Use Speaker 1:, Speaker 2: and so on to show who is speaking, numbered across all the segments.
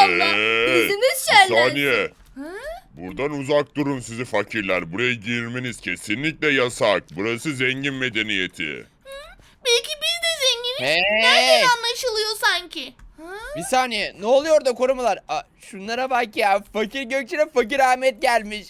Speaker 1: inşallah. Gözümüz
Speaker 2: Bir
Speaker 1: şenlensin.
Speaker 2: saniye.
Speaker 1: Ha?
Speaker 2: Buradan uzak durun sizi fakirler. Buraya girmeniz kesinlikle yasak. Burası zengin medeniyeti.
Speaker 3: Belki biz de zenginiz.
Speaker 4: Hey!
Speaker 3: Nereden anlaşılıyor sanki? Ha?
Speaker 4: Bir saniye, ne oluyor da korumalar? Şunlara bak ya, fakir Gökçe'ne fakir Ahmet gelmiş.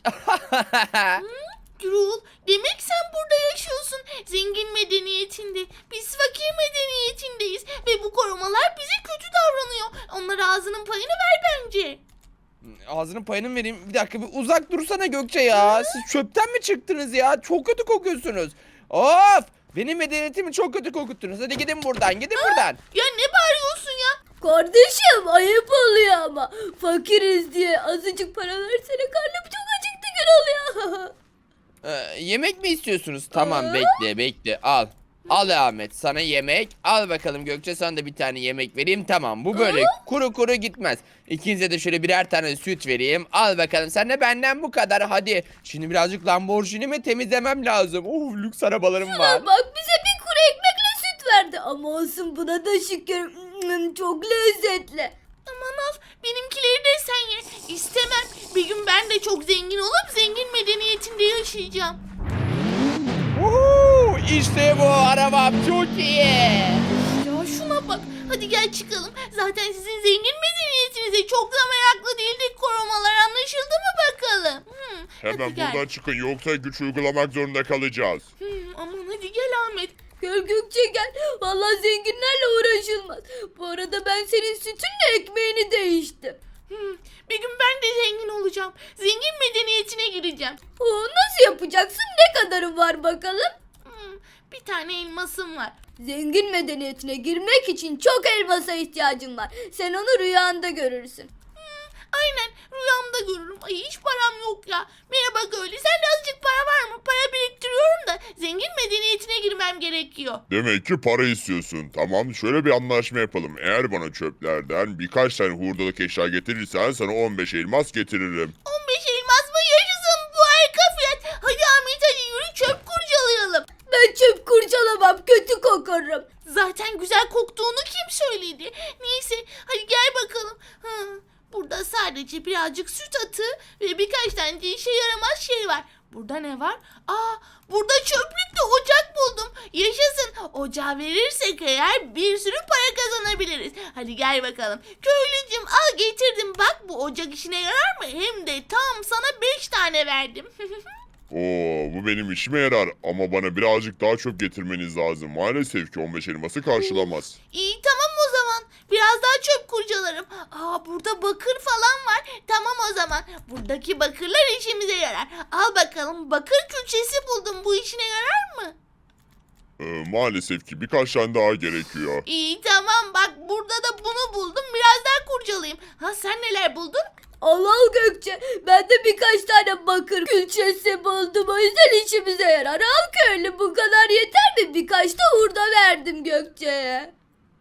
Speaker 3: Gürol, demek sen burada yaşıyorsun. Zengin medeniyetinde. Biz fakir medeniyetindeyiz. Ve bu korumalar bize kötü davranıyor. Onlara ağzının payını ver bence.
Speaker 4: Ağzının payını mı vereyim? Bir dakika, bir uzak dursana Gökçe ya. Siz çöpten mi çıktınız ya? Çok kötü kokuyorsunuz. Of! Benim medeniyetimi çok kötü kokuttunuz. Hadi gidin buradan, gidin buradan.
Speaker 3: Ya ne bağırıyorsun ya?
Speaker 1: Kardeşim ayıp oluyor ama. Fakiriz diye azıcık para versene. Karnım çok acıktı Gürol ya.
Speaker 4: Yemek mi istiyorsunuz? Tamam, bekle. Al. Al Ahmet, sana yemek. Al bakalım Gökçe, sana da bir tane yemek vereyim. Tamam, bu böyle kuru kuru gitmez. İkinize de şöyle birer tane süt vereyim. Al bakalım, sen de benden bu kadar. Hadi şimdi birazcık Lamborghini'mi temizlemem lazım. Lüks arabalarım var.
Speaker 1: Bak bize bir kuru ekmekle süt verdi. Ama olsun, buna da şükür. Çok lezzetli.
Speaker 3: Aman al, benimkileri de sen ye. İstemem. Bir gün ben de çok zengin olup zengin medeniyetinde yaşayacağım.
Speaker 4: İşte bu arabam çok iyi.
Speaker 3: Ya şuna bak. Hadi gel çıkalım. Zaten sizin zengin medeniyetinize çok da meraklı değildik korumalar. Anlaşıldı mı bakalım?
Speaker 2: Hemen
Speaker 3: hadi gel.
Speaker 2: buradan çıkın yoksa güç uygulamak zorunda kalacağız.
Speaker 3: Aman hadi gel Ahmet.
Speaker 1: Gel Gökçe gel. Vallahi zenginlerle uğraşılmaz. Bu arada ben senin sütünle ekmeğini değiştim.
Speaker 3: Bir gün ben de zengin olacağım. Zengin medeniyetine gireceğim.
Speaker 1: Nasıl yapacaksın? Ne kadarı var bakalım?
Speaker 3: Bir tane elmasım var.
Speaker 1: Zengin medeniyetine girmek için çok elmasa ihtiyacın var. Sen onu rüyanda görürsün.
Speaker 3: Aynen rüyamda görürüm. Ay hiç param yok ya. Merhaba köylü, sende azıcık para var mı? Para biriktiriyorum da zengin medeniyetine girmem gerekiyor.
Speaker 2: Demek ki para istiyorsun. Tamam, şöyle bir anlaşma yapalım. Eğer bana çöplerden birkaç tane hurdalık eşya getirirsen sana 15 elmas getiririm.
Speaker 3: 15 elmas mı? Yaşasın, bu harika fiyat. Hadi Ahmet, hadi yürü çöp kurcalayalım.
Speaker 1: Ben çöp kurcalamam, kötü kokarım.
Speaker 3: Zaten güzel koktuğunu kim söyledi? Neyse hadi gel bakalım. Burada sadece birazcık süt atı ve birkaç tane de işe yaramaz şey var. Burada ne var? Burada çöplükte ocak buldum. Yaşasın. Ocağı verirsek eğer bir sürü para kazanabiliriz. Hadi gel bakalım. Köylücüm al getirdim. Bak bu ocak işine yarar mı? Hem de tam sana 5 tane verdim.
Speaker 2: Bu benim işime yarar ama bana birazcık daha çöp getirmeniz lazım. Maalesef ki 15 elması karşılamaz.
Speaker 3: İyi tamam o zaman. Biraz daha çöp kurcalarım. Burada bakır falan var. Tamam o zaman. Buradaki bakırlar işimize yarar. Al bakalım, bakır külçesi buldum. Bu işine yarar mı?
Speaker 2: Maalesef ki birkaç tane daha gerekiyor.
Speaker 3: İyi tamam, bak burada da bunu buldum. Biraz daha kurcalayayım. Sen neler buldun?
Speaker 1: Al Gökçe. Ben de birkaç tane bakır külçesi buldum. O yüzden işimize yarar. Al köylü, bu kadar yeter mi? Birkaç da hurda verdim Gökçe'ye.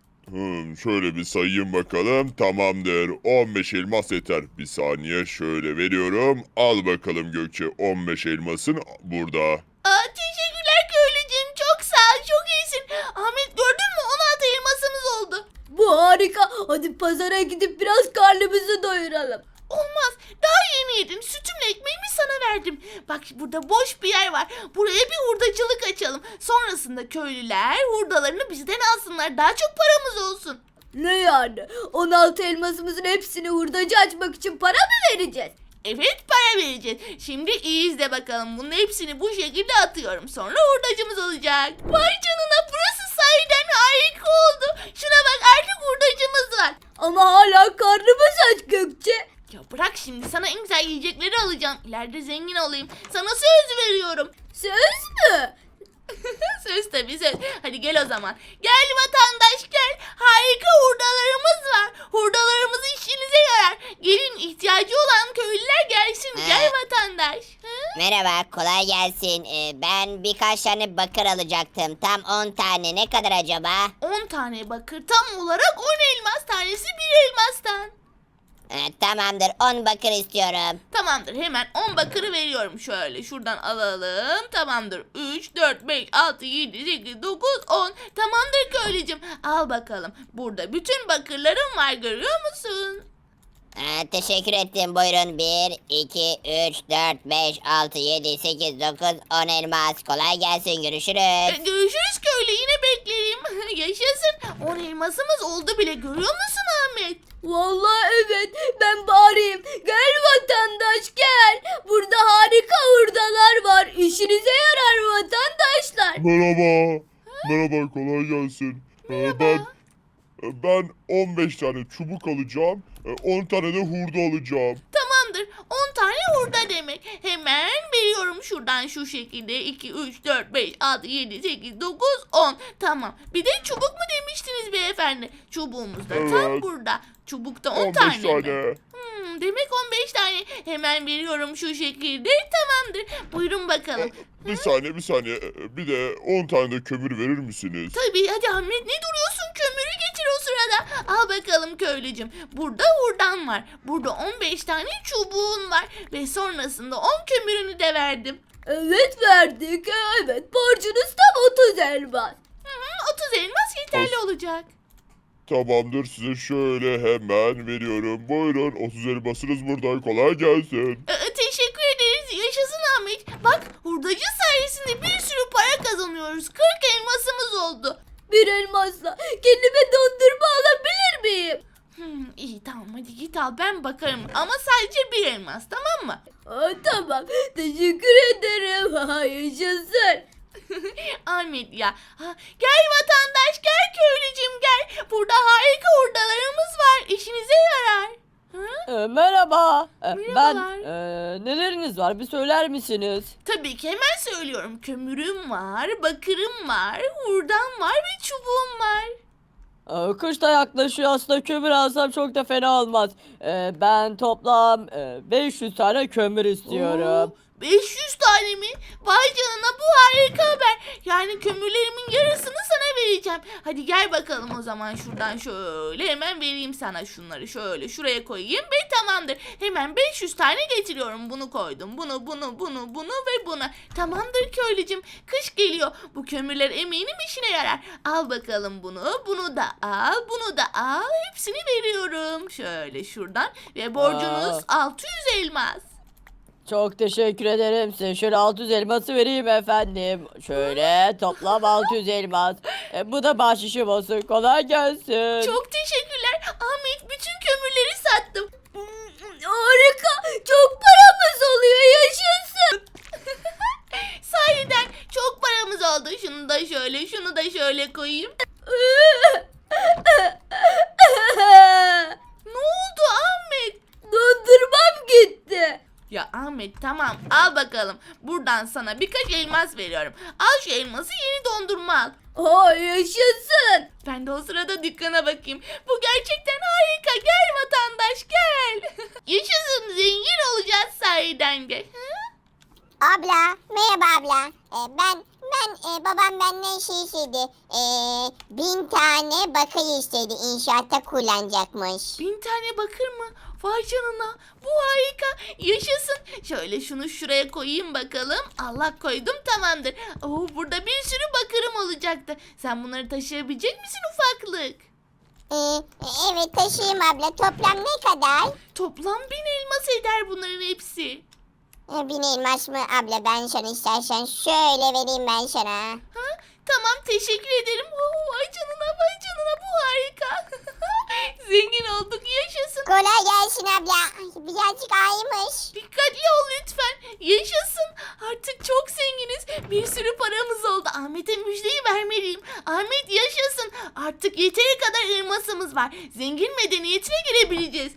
Speaker 2: Şöyle bir sayayım bakalım. Tamamdır. 15 elmas yeter. Bir saniye şöyle veriyorum. Al bakalım Gökçe, 15 elmasın burada.
Speaker 3: Teşekkürler köylücüğüm. Çok sağ ol. Çok iyisin. Ahmet gördün mü? 16 elmasımız oldu.
Speaker 1: Bu harika. Hadi pazara gidip biraz karnımızı doyuralım.
Speaker 3: Olmaz. Daha yeni yedim. Sütümle ekmeğimi sana verdim. Bak burada boş bir yer var. Buraya bir hurdacılık açalım. Sonrasında köylüler hurdalarını bizden alsınlar. Daha çok paramız olsun.
Speaker 1: Ne yani? 16 elmasımızın hepsini hurdacı açmak için para mı vereceğiz?
Speaker 3: Evet, para vereceğiz. Şimdi iyi izle bakalım. Bunun hepsini bu şekilde atıyorum. Sonra hurdacımız olacak. Vay canına, burası sahiden harika oldu. Şuna bak, artık hurdacımız var.
Speaker 1: Ama hala karnımız aç Gökçe.
Speaker 3: Ya bırak şimdi, sana en güzel yiyecekleri alacağım. İleride zengin olayım. Sana söz veriyorum.
Speaker 1: Söz mü?
Speaker 3: Söz tabii söz. Hadi gel o zaman. Gel vatandaş gel. Harika hurdalarımız var. Hurdalarımız işinize yarar. Gelin, ihtiyacı olan köylüler gelsin. Gel vatandaş.
Speaker 5: Merhaba, kolay gelsin. Ben birkaç tane bakır alacaktım. Tam 10 tane. Ne kadar acaba?
Speaker 3: 10 tane bakır, tam olarak 10 elmas tanesi, bir elmastan.
Speaker 5: Tamamdır, 10 bakır istiyorum.
Speaker 3: Tamamdır, hemen 10 bakırı veriyorum. Şöyle şuradan alalım. Tamamdır. 3, 4, 5, 6, 7, 8, 9, 10. Tamamdır köylücüm. Al bakalım. Burada bütün bakırlarım var, görüyor musun?
Speaker 5: Teşekkür ettim. Buyurun. 1, 2, 3, 4, 5, 6, 7, 8, 9, 10 elmas. Kolay gelsin. Görüşürüz.
Speaker 3: Görüşürüz köylü, yine beklerim. Yaşasın. 10 elmasımız oldu bile, görüyor musun Ahmet?
Speaker 1: Vallahi evet, ben bağırayım. Gel vatandaş gel. Burada harika hurdalar var. İşinize yarar vatandaşlar.
Speaker 2: Merhaba. Merhaba, kolay gelsin. Ben 15 tane çubuk alacağım. 10 tane de hurda alacağım.
Speaker 3: Tamamdır. 10 tane hurda demek. Hemen veriyorum şuradan şu şekilde. 2, 3, 4, 5, 6, 7, 8, 9, 10. Tamam. Bir de çubuk mu demiştiniz beyefendi? Çubuğumuz da tam
Speaker 2: Evet.
Speaker 3: burada. Çubukta 10
Speaker 2: 15
Speaker 3: tane mi?
Speaker 2: tane.
Speaker 3: Demek 15 tane. Hemen veriyorum şu şekilde. Tamamdır. Buyurun bakalım.
Speaker 2: Bir saniye. Bir de 10 tane de kömür verir misiniz?
Speaker 3: Tabii, hadi Ahmet, ne duruyorsun? Kömürü getir o sırada. Al bakalım köylücüm. Burada hurdan var. Burada 15 tane çubuğun var. Ve sonrasında 10 kömürünü de verdim.
Speaker 1: Evet verdik. Evet, borcunuz tam 30 elmas.
Speaker 3: 30 elmas yeterli olacak.
Speaker 2: Tamamdır, size şöyle hemen veriyorum. Buyurun, 30 elmasınız burada. Kolay gelsin.
Speaker 3: Teşekkür ederiz. Yaşasın Ahmet. Bak, hurdacı sayesinde bir sürü para kazanıyoruz. 40 elmasımız oldu.
Speaker 1: Bir elmasla kendime dondurma alabilir miyim?
Speaker 3: İyi, tamam, hadi git al, ben bakarım. Ama sadece bir elmas, tamam mı?
Speaker 1: Tamam, teşekkür ederim. Yaşasın.
Speaker 3: Ahmet ya. Gel vatandaş, gel köylücüm, gel. Burada harika hurdalarımız var. İşinize yarar.
Speaker 6: Merhaba. Ben
Speaker 3: Merhabalar.
Speaker 6: neleriniz var bir söyler misiniz?
Speaker 3: Tabii ki, hemen söylüyorum. Kömürüm var, bakırım var, hurdam var ve çubuğum var.
Speaker 6: Kış da yaklaşıyor, aslında kömür alsam çok da fena olmaz. Ben toplam 500 tane kömür istiyorum.
Speaker 3: Oo, 500 tane mi? Vay canına, bu harika haber. Yani kömürlerimin yarısını sana vereceğim. Hadi gel bakalım o zaman, şuradan şöyle hemen vereyim sana şunları. Şöyle şuraya koyayım ve tamamdır. Hemen 500 tane getiriyorum. Bunu koydum. Bunu ve bunu. Tamamdır köylücüm. Kış geliyor. Bu kömürler eminim işine yarar. Al bakalım bunu. Bunu da al. Bunu da al. Hepsini veriyorum. Şöyle şuradan. Ve borcunuz 600 elmas.
Speaker 6: Çok teşekkür ederim size. Şöyle 600 elması vereyim efendim. Şöyle toplam 600 elmas. Bu da bahşişim olsun. Kolay gelsin.
Speaker 3: Çok teşekkürler. Ahmet, bütün kömürleri sattım.
Speaker 1: Harika, çok paramız oluyor. Yaşasın.
Speaker 3: Sahiden çok paramız oldu. Şunu da şöyle, şunu da şöyle koyayım. Ne oldu Ahmet?
Speaker 1: Dondurmam gitti.
Speaker 3: Ya Ahmet, tamam, al bakalım. Buradan sana birkaç elmas veriyorum. Al şu elması, yeni dondurma al.
Speaker 1: Yaşasın.
Speaker 3: Ben de o sırada dükkana bakayım. Bu gerçekten harika. Gel vatandaş, gel. Yaşasın, zengin olacağız sahiden de.
Speaker 7: Abla, merhaba abla. Babam benden şey istedi. 1000 tane bakır istedi. İnşaatta kullanacakmış.
Speaker 3: 1000 tane bakır mı? Vay canına. Bu harika. Yaşasın. Şöyle şunu şuraya koyayım bakalım. Allah, koydum, tamamdır. Burada bir sürü bakırım olacaktı. Sen bunları taşıyabilecek misin ufaklık?
Speaker 7: Evet taşıyayım abla. Toplam ne kadar?
Speaker 3: Toplam 1000 elmas eder bunların hepsi.
Speaker 7: 1000 elmas mı abla? Ben sana istersen şöyle vereyim ben sana.
Speaker 3: Tamam, teşekkür ederim. Vay canına, vay canına, bu harika. Zengin olduk, yaşasın.
Speaker 7: Kolay gelsin abla. Ay, birazcık ağırmış.
Speaker 3: Dikkatli ol lütfen. Yaşasın. Artık çok zenginiz. Bir sürü paramız oldu. Ahmet'e müjdeyi vermeliyim. Ahmet yaşasın. Artık yeteri kadar elmasımız var. Zengin medeniyetine girebileceğiz.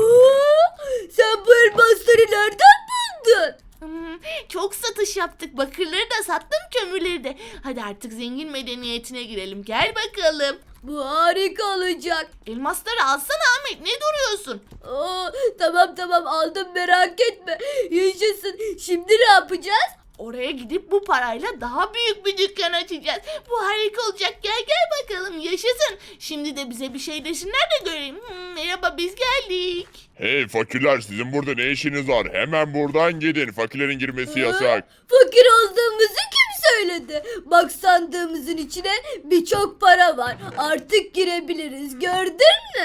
Speaker 1: Sen bu elmasları nereden buldun?
Speaker 3: Çok satış yaptık. Bakırları da sattım, kömürleri de. Hadi artık zengin medeniyetine girelim. Gel bakalım.
Speaker 1: Bu harika olacak.
Speaker 3: Elmasları alsana Ahmet. Ne duruyorsun?
Speaker 1: Tamam aldım, merak etme. Yaşasın. Şimdi ne yapacağız?
Speaker 3: Oraya gidip bu parayla daha büyük bir dükkan açacağız. Bu harika olacak. Gel bakalım, yaşasın. Şimdi de bize bir şey desinler de göreyim. Merhaba, biz geldik.
Speaker 2: Hey fakirler, sizin burada ne işiniz var? Hemen buradan gidin. Fakirlerin girmesi yasak.
Speaker 1: Fakir olduğumuzu kim söyledi? Bak, sandığımızın içine birçok para var. Artık girebiliriz, gördün mü?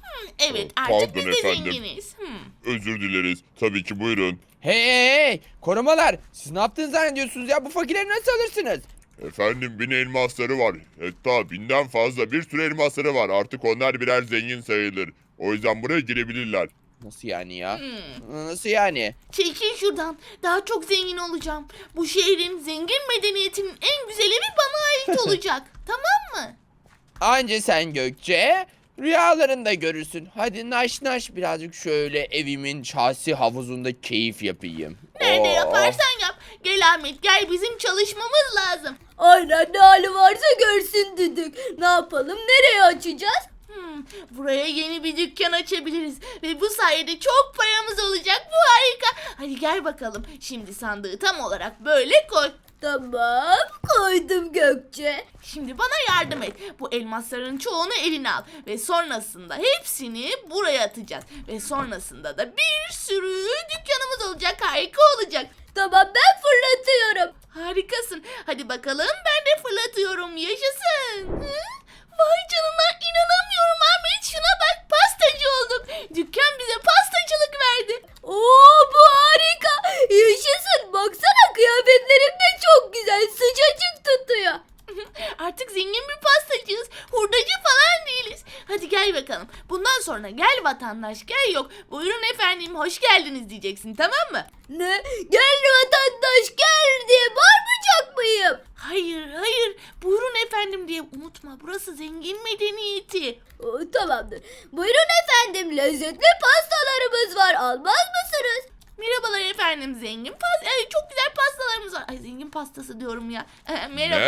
Speaker 3: Evet,
Speaker 2: Pardon
Speaker 3: artık biz de
Speaker 2: efendim.
Speaker 3: zenginiz.
Speaker 2: Özür dileriz. Tabii ki buyurun.
Speaker 4: Hey, korumalar, siz ne yaptığını zannediyorsunuz ya? Bu fakirleri nasıl alırsınız?
Speaker 2: Efendim 1000 elmasları var. Hatta 1000'den fazla bir sürü elmasları var. Artık onlar birer zengin sayılır. O yüzden buraya girebilirler.
Speaker 4: Nasıl yani ya? Nasıl yani?
Speaker 3: Çekil şuradan. Daha çok zengin olacağım. Bu şehrin zengin medeniyetinin en güzel evi bana ait olacak. Tamam mı?
Speaker 4: Anca sen Gökçe rüyalarında görürsün. Hadi naş naş birazcık şöyle evimin şahsi havuzunda keyif yapayım.
Speaker 3: Nerede
Speaker 4: Oo.
Speaker 3: yaparsan yap. Gel Ahmet, gel, bizim çalışmamız lazım.
Speaker 1: Aynen, ne hali varsa görsün düdük. Ne yapalım, nereye açacağız?
Speaker 3: Buraya yeni bir dükkan açabiliriz ve bu sayede çok paramız olacak. Bu harika. Hadi gel bakalım. Şimdi sandığı tam olarak böyle koy.
Speaker 1: Tamam, koydum Gökçe.
Speaker 3: Şimdi bana yardım et. Bu elmasların çoğunu eline al ve sonrasında hepsini buraya atacağız. Ve sonrasında da bir sürü dükkanımız olacak. Harika olacak.
Speaker 1: Tamam, ben fırlatıyorum.
Speaker 3: Harikasın. Hadi bakalım, ben de fırlatıyorum. Yaşasın. Hı? Vay canına, inanamıyorum Ahmet. Şuna bak, pastacı olduk. Dükkan bize pastacılık verdi.
Speaker 1: Oo, bu harika. Yaşasın, baksana kıyafetlerim de çok güzel, sıcacık tutuyor.
Speaker 3: Artık zengin bir pastacıyız. Hurdacı falan değiliz. Hadi gel bakalım. Bundan sonra gel vatandaş gel yok. Buyurun efendim, hoş geldiniz diyeceksin, tamam mı?
Speaker 1: Ne? Gel vatandaş gel diye bağırmayacak mıyım?
Speaker 3: Hayır hayır. Buyurun efendim diye unutma. Burası zengin medeniyeti.
Speaker 1: Oo, tamamdır. Buyurun efendim, lezzetli pastalarımız var, almaz mısınız?
Speaker 3: Merhabalar efendim, zengin çok güzel pastalarımız var. Ay, zengin pastası diyorum ya. Merhaba.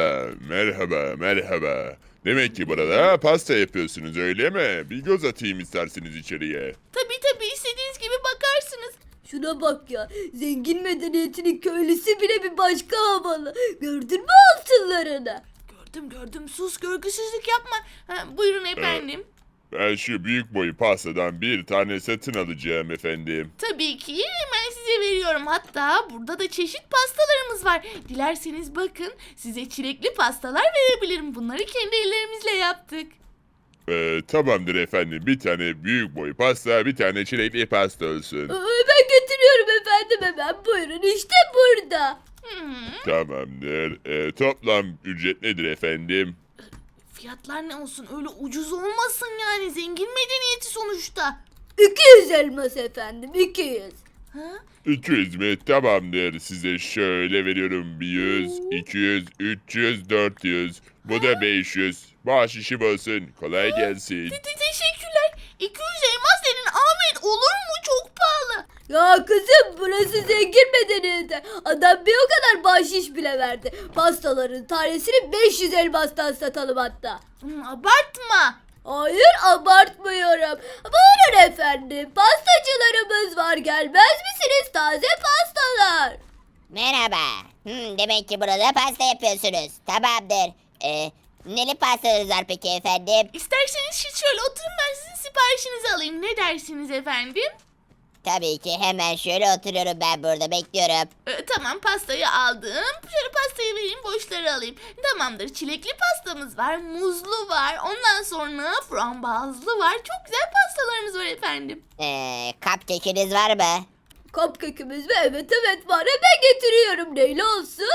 Speaker 2: Merhaba. Demek ki burada pasta yapıyorsunuz öyle mi? Bir göz atayım isterseniz içeriye.
Speaker 3: Tabii istediğiniz gibi bakarsınız.
Speaker 1: Şuna bak ya, zengin medeniyetinin köylüsü bile bir başka havalı. Gördün mü altınlarını?
Speaker 3: Gördüm, sus, görgüsüzlük yapma. Buyurun efendim.
Speaker 2: Ben şu büyük boy pastadan bir tane satın alacağım efendim.
Speaker 3: Tabii ki, hemen size veriyorum. Hatta burada da çeşit pastalarımız var. Dilerseniz bakın, size çilekli pastalar verebilirim. Bunları kendi ellerimizle yaptık.
Speaker 2: Tamamdır efendim. Bir tane büyük boy pasta, bir tane çilekli pasta olsun.
Speaker 1: Ben getiriyorum efendim, hemen buyurun, işte burada.
Speaker 2: Tamamdır. Toplam ücret nedir efendim?
Speaker 3: Fiyatlar ne olsun, öyle ucuz olmasın yani, zengin medeniyeti sonuçta.
Speaker 1: 200 elmas efendim, 200.
Speaker 3: Ha?
Speaker 2: 200 mi? Tamamdır. Size şöyle veriyorum. 100, 200, 300, 400. Bu da 500. Bahşişim olsun. Kolay gelsin.
Speaker 3: Teşekkürler. 200 elmas dedin Ahmet, olur mu? Çok pahalı.
Speaker 1: Ya kızım, burası zengin medeniyeti. Adam bir o kadar bahşiş bile verdi. Pastaların tanesini 500 elmastan satalım hatta.
Speaker 3: Abartma.
Speaker 1: Hayır, abartmıyorum. Buyurun efendim, pastacılarımız var, gelmez misiniz, taze pastalar?
Speaker 5: Merhaba. Demek ki burada pasta yapıyorsunuz. Tamamdır. Neli pastanız var peki efendim?
Speaker 3: İsterseniz siz şöyle oturun, ben sizin siparişinizi alayım. Ne dersiniz efendim?
Speaker 5: Tabii ki, hemen şöyle oturuyorum ben burada, bekliyorum.
Speaker 3: Tamam, pastayı aldım. Şöyle pastayı vereyim, boşları alayım. Tamamdır, çilekli pastamız var, muzlu var. Ondan sonra frambuazlı var. Çok güzel pastalarımız var efendim.
Speaker 5: Cupcake'iniz var mı?
Speaker 1: Cupcake'imiz mi? Evet var, hemen getiriyorum, neyle olsun?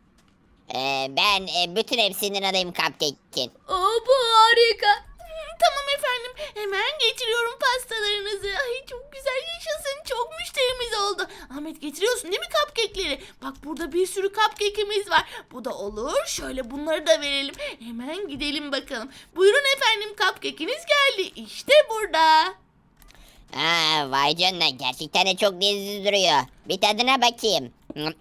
Speaker 5: Ben bütün hepsinden alayım cupcake'in.
Speaker 1: Bu harika.
Speaker 3: Tamam efendim, hemen getiriyorum pastalarınızı. Ay, çok güzel, yaşasın, çok müşterimiz oldu. Ahmet, getiriyorsun değil mi cupcake'leri? Bak, burada bir sürü cupcake'imiz var. Bu da olur, şöyle bunları da verelim. Hemen gidelim bakalım. Buyurun efendim, cupcake'iniz geldi. İşte burada.
Speaker 5: Vay canına, gerçekten de çok lezzetli duruyor. Bir tadına bakayım.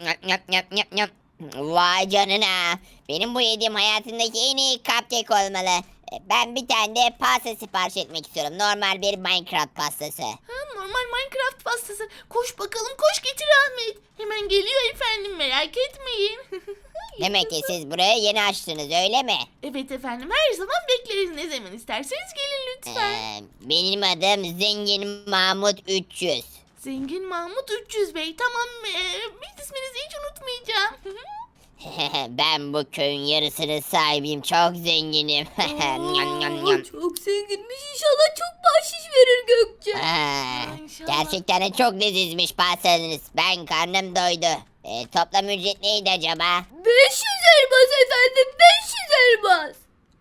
Speaker 5: Vay canına. Benim bu yediğim hayatımdaki en iyi cupcake olmalı. Ben bir tane de pasta sipariş etmek istiyorum. Normal bir Minecraft pastası.
Speaker 3: Normal Minecraft pastası. Koş bakalım, koş getir Ahmet. Hemen geliyor efendim, merak etmeyin.
Speaker 5: Demek ki siz burayı yeni açtınız öyle mi?
Speaker 3: Evet efendim, her zaman bekleriz, ne zaman isterseniz gelin lütfen.
Speaker 5: Benim adım Zengin Mahmut 300.
Speaker 3: Zengin Mahmut 300 Bey, tamam, biz isminizi hiç unutmayacağım.
Speaker 5: Ben bu köyün yarısının sahibiyim. Çok zenginim. Nyam, nyam, nyam.
Speaker 1: Çok zenginmiş. İnşallah çok bahşiş verir Gökçe.
Speaker 5: İnşallah. Gerçekten de çok lezizmiş pastanız. Ben karnım doydu. Toplam ücret neydi acaba?
Speaker 1: 500 elmas efendim. 500 elmas.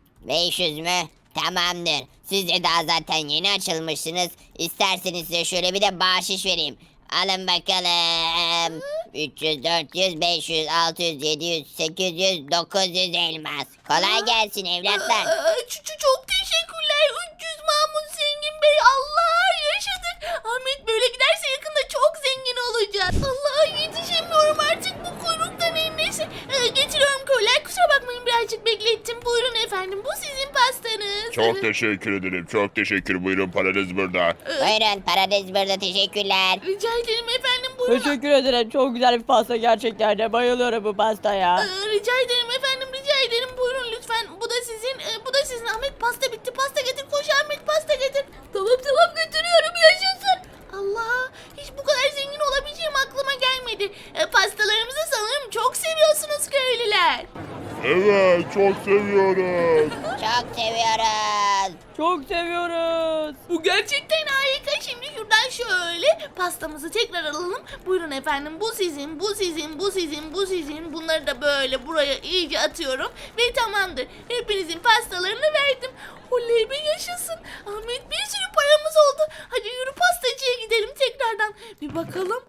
Speaker 5: 500 mü? Tamamdır. Siz de daha zaten yeni açılmışsınız. İsterseniz size şöyle bir de bahşiş vereyim. Alın bakalım. 300, 400, 500, 600, 700, 800, 900 elmas. Kolay gelsin evlatlar.
Speaker 3: Çok teşekkürler 300 Mahmut Zengin Bey. Allah yaşadık. Ahmet böyle giderse yakında çok zengin olacağız. Allah yetişemiyorum artık bu kuyruktan en neyse. Getiriyorum köylüler, kusura bakmayın birazcık beklettim. Buyurun efendim, bu sizin pastanız.
Speaker 2: Çok teşekkür ederim. Çok teşekkür. Buyurun paranız burada.
Speaker 5: Buyurun paranız burada, teşekkürler.
Speaker 3: Rica ederim efendim, buyurun.
Speaker 6: Teşekkür ederim. Çok güzel bir pasta gerçekten de. Bayılıyorum bu pastaya.
Speaker 3: Rica ederim efendim, rica ederim. Buyurun lütfen. Bu da sizin. Bu da sizin. Ahmet pasta bitti. Pasta getir. Koş Ahmet, pasta getir.
Speaker 1: Tamam götürüyorum. Yaşasın.
Speaker 3: Allah, hiç bu kadar zengin olabileceğim aklıma gelmedi. Pastalarımızı sanırım çok seviyorsunuz köylüler.
Speaker 2: Evet, çok seviyorum.
Speaker 5: Çok seviyoruz.
Speaker 6: Çok seviyoruz.
Speaker 3: Bu gerçekten harika. Şimdi şuradan şöyle pastamızı tekrar alalım. Buyurun efendim, bu sizin, bu sizin, bu sizin, bu sizin. Bunları da böyle buraya iyice atıyorum ve tamamdır. Hepinizin pastalarını verdim. Oley be, yaşasın. Ahmet, bir sürü paramız oldu. Hadi yürü pastacıya gidelim tekrardan. Bir bakalım.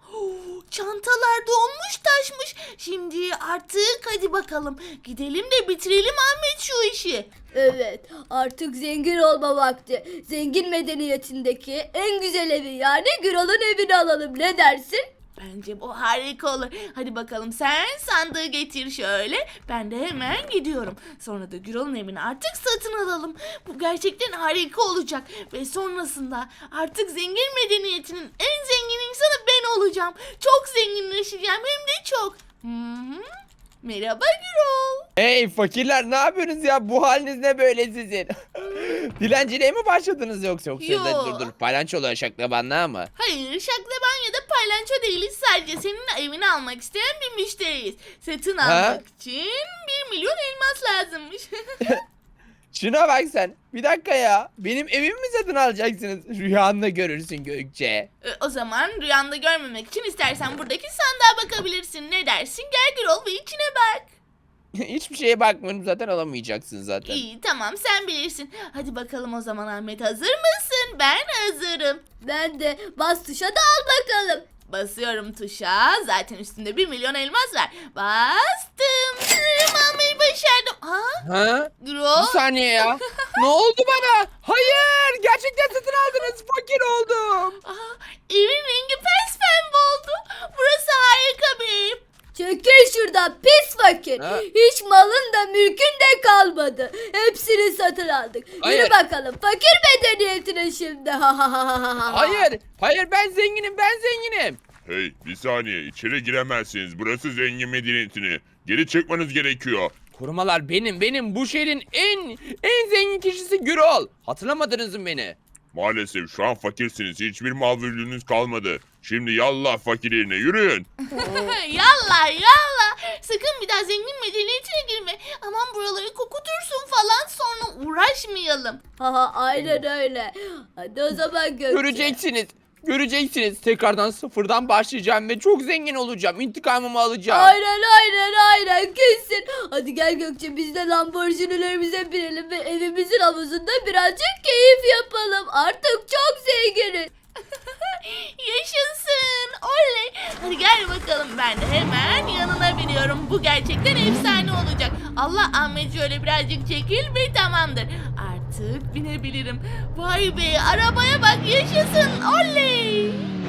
Speaker 3: Çantalar dolmuş taşmış. Şimdi artık hadi bakalım. Gidelim de bitirelim Ahmet şu işi.
Speaker 1: Evet, artık zengin olma vakti. Zengin medeniyetindeki en güzel evi, yani Gürol'un evini alalım. Ne dersin?
Speaker 3: Bence bu harika olur. Hadi bakalım, sen sandığı getir şöyle. Ben de hemen gidiyorum. Sonra da Gürol'un evini artık satın alalım. Bu gerçekten harika olacak. Ve sonrasında artık zengin medeniyetinin en zengin insanı ben olacağım. Çok zenginleşeceğim, hem de çok. Hı-hı. Merhaba Gürol.
Speaker 4: Hey fakirler, ne yapıyorsunuz ya? Bu haliniz ne böyle sizin? Dilenciliğe mi başladınız yoksa?
Speaker 3: Yo.
Speaker 4: Dur. Palyaçoluğa şaklabanlığa mı?
Speaker 3: Hayır, şaklaban ya da paylanço değiliz. Sadece senin evini almak isteyen bir müşteriyiz. Satın almak için 1 milyon elmas lazımmış.
Speaker 4: Şuna bak sen. Bir dakika ya. Benim evimi mi satın alacaksınız? Rüyanda görürsün Gökçe.
Speaker 3: O zaman rüyanda görmemek için istersen buradaki sandığa bakabilirsin. Ne dersin? Gel Gürol ve içine bak.
Speaker 4: Hiçbir şeye bakmıyorum, zaten alamayacaksın zaten.
Speaker 3: İyi, tamam, sen bilirsin. Hadi bakalım o zaman Ahmet, hazır mısın? Ben hazırım.
Speaker 1: Ben de. Bas tuşa da al bakalım.
Speaker 3: Basıyorum tuşa. Zaten üstünde 1 milyon elmas var. Bastım. Almayı başardım. Ha?
Speaker 4: Ha?
Speaker 3: Gürol?
Speaker 4: Bir saniye ya. Ne oldu bana? Hayır, gerçekten satın aldınız. Fakir oldum.
Speaker 3: Evin rengi pembe oldu. Burası harika bir ev.
Speaker 1: Çekil şuradan pis fakir.
Speaker 4: Ha?
Speaker 1: Hiç malın da mülkün de kalmadı. Hepsini satın aldık.
Speaker 4: Hayır.
Speaker 1: Yürü bakalım fakir medeniyetine şimdi.
Speaker 4: Hayır, ben zenginim.
Speaker 2: Hey, bir saniye. İçeri giremezsiniz. Burası zengin medeniyetini. Geri çıkmanız gerekiyor.
Speaker 4: Korumalar benim. Bu şehrin en zengin kişisi Gürol. Hatırlamadınız mı beni?
Speaker 2: Maalesef şu an fakirsiniz. Hiçbir mal mülkünüz kalmadı. Şimdi yallah fakir yerine yürüyün.
Speaker 3: Yallah. Sakın bir daha zengin medeniyetine girme. Aman buraları kokutursun falan, sonra uğraşmayalım.
Speaker 1: Aynen öyle. Hadi o zaman Gökçe.
Speaker 4: Göreceksiniz. Tekrardan sıfırdan başlayacağım ve çok zengin olacağım. İntikamımı alacağım.
Speaker 1: Aynen kesin. Hadi gel Gökçe, biz de Lamborghini'lerimize binelim ve evimizin havuzunda birazcık keyif yapalım. Artık çok zenginiz.
Speaker 3: Yaşasın. Oley. Hadi gel bakalım, ben de hemen yanına biniyorum. Bu gerçekten efsane olacak. Allah, Ahmet şöyle birazcık çekil ve tamamdır. Artık binebilirim. Vay be, arabaya bak, yaşasın. Oley.